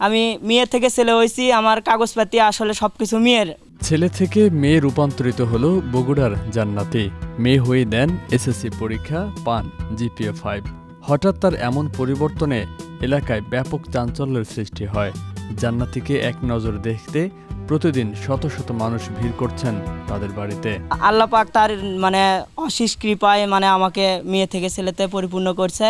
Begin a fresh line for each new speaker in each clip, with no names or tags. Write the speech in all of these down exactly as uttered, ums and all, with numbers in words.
আমি মেয়ে থেকে ছেলে হয়েছি, আমার কাগজপাতি আসলে সবকিছু মেয়ের।
ছেলে থেকে মেয়ে রূপান্তরিত হলো বগুড়ার জান্নাতি। মেয়ে হয়ে দেন এসএসসি পরীক্ষা, পান জিপিএ ফাইভ। হঠাৎ তার এমন পরিবর্তনে এলাকায় ব্যাপক চাঞ্চল্যের সৃষ্টি হয়। জান্নাতিকে এক নজর দেখতে প্রতিদিন শত শত মানুষ ভিড় করছেন তাদের বাড়িতে।
আল্লাহ পাক তার মানে অশেষ কৃপায় মানে আমাকে মেয়ে থেকে ছেলেতে পরিপূর্ণ করছে।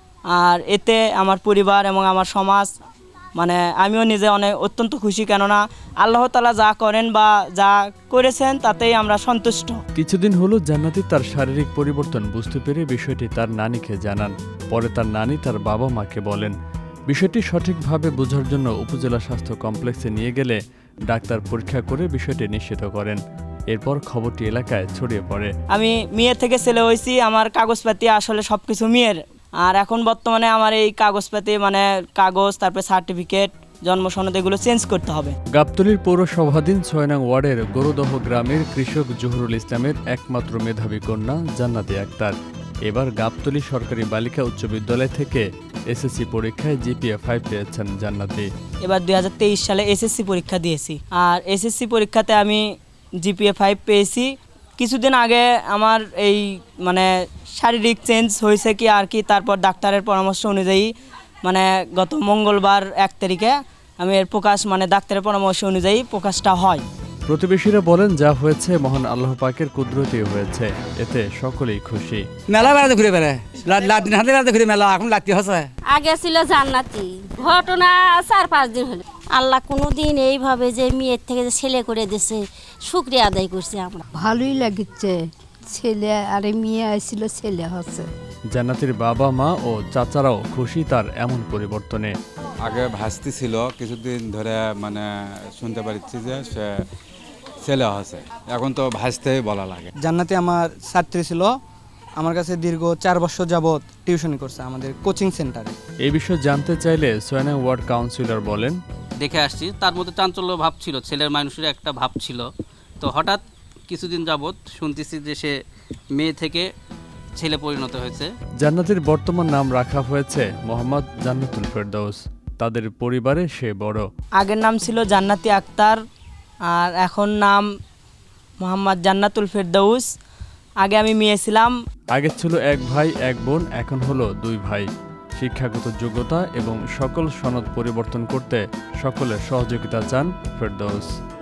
আর এতে আমার পরিবার এবং আমার সমাজ মানে আমিও নিজে অনেক অত্যন্ত খুশি, কেননা আল্লাহ তাআলা যা করেন বা যা করেছেন তাতেই আমরা সন্তুষ্ট।
কিছুদিন হলো জান্নাতি তার শারীরিক পরিবর্তন বুঝতে পেরে বিষয়টি তার নানিকে জানান। পরে তার নানি তার বাবা মাকে বলেন। বিষয়টি সঠিকভাবে বোঝার জন্য উপজেলা স্বাস্থ্য কমপ্লেক্সে নিয়ে গেলে ডাক্তার পরীক্ষা করে বিষয়টি নিশ্চিত করেন। এরপর খবরটি এলাকায় ছড়িয়ে পড়ে।
আমি মেয়ে থেকে ছেলে হয়েছি, আমার কাগজপাতি আসলে সব কিছু মেয়ের। আর এখন বর্তমানে আমার এই কাগজপাতি মানে কাগজ, তারপরে সার্টিফিকেট, জন্ম সনদ এগুলো চেঞ্জ করতে হবে।
গাবতলীর পৌরসভাধীন ছয় নং ওয়ার্ডের গরুদহ গ্রামের কৃষক জহুরুল ইসলামের একমাত্র মেধাবী কন্যা জান্নাতি আক্তার এবার গাবতলী সরকারি বালিকা উচ্চ বিদ্যালয় থেকে এসএসসি পরীক্ষায় জিপিএ ফাইভ পেয়েছেন জান্নাতি।
এবার দুই হাজার তেইশ সালে এসএসসি পরীক্ষা দিয়েছি, আর এসএসসি পরীক্ষাতে আমি জিপিএ ফাইভ পেয়েছি। কিছুদিন আগে আমার এই মানে শারীরিক চেঞ্জ হয়েছে কি আর কি, তারপর ডাক্তারের পরামর্শ অনুযায়ী মানে গত মঙ্গলবার এক তারিখে আমি এর প্রকাশ মানে ডাক্তারের পরামর্শ অনুযায়ী প্রকাশটা হয়।
প্রতিবেশীরা বলেন যা হয়েছে মহান আল্লাহ পাকের কুদরতি হয়েছে, এতে সকলেই খুশি।
মেলা বেড়াতে ঘুরে বেড়ায় লাদিন হাতে বেড়াতে ঘুরে মেলা এখন লাগতে হচ্ছে।
আগে ছিল জান্নাতি, ঘটনা চার পাঁচ দিন হলো। আল্লাহ কোনো দিন এইভাবে যে মেয়ের থেকে যে ছেলে করে দিছে শুকরিয়া আদায় করছি আমরা।
ভালোই লাগছে, ছেলে আরে মেয়ে আসছিল, ছেলে হচ্ছে।
জান্নাতির বাবা মা ও চাচারাও খুশি তার এমন পরিবর্তনে।
আগে ভাস্তি ছিল, কিছুদিন ধরে মানে শুনতে পাচ্ছি যে সে ছেলে হচ্ছে, এখন তো ভাসতেই বলা লাগে।
জান্নাতি আমার ছাত্রী ছিল, আমার কাছে দীর্ঘ চার বছর যাবৎ টিউশনি করছে আমাদের কোচিং সেন্টারে।
এই বিষয়ে জানতে চাইলে ছয় নং ওয়ার্ড কাউন্সিলর বলেন,
দেখে আসছি তার মধ্যে চাঞ্চল্য ভাব ছিল, ছেলের মানুষের একটা ভাব ছিল। তো হঠাৎ কিছুদিন যাবৎ শুনতেছি যে সে মেয়ে থেকে ছেলে পরিণত হয়েছে।
জান্নাতির বর্তমান নাম রাখা হয়েছে মোহাম্মদ জান্নাতুল ফেরদৌস। তাদের পরিবারে সে বড়।
আগের নাম ছিল জান্নাতি আক্তার, আর এখন নাম মোহাম্মদ জান্নাতুল ফেরদৌস। আগে আমি মেয়ে ছিলাম।
আগে ছিল এক ভাই এক বোন, এখন হলো দুই ভাই। শিক্ষাগত যোগ্যতা এবং সকল সনদ পরিবর্তন করতে সকলের সহযোগিতা চান ফেরদৌস।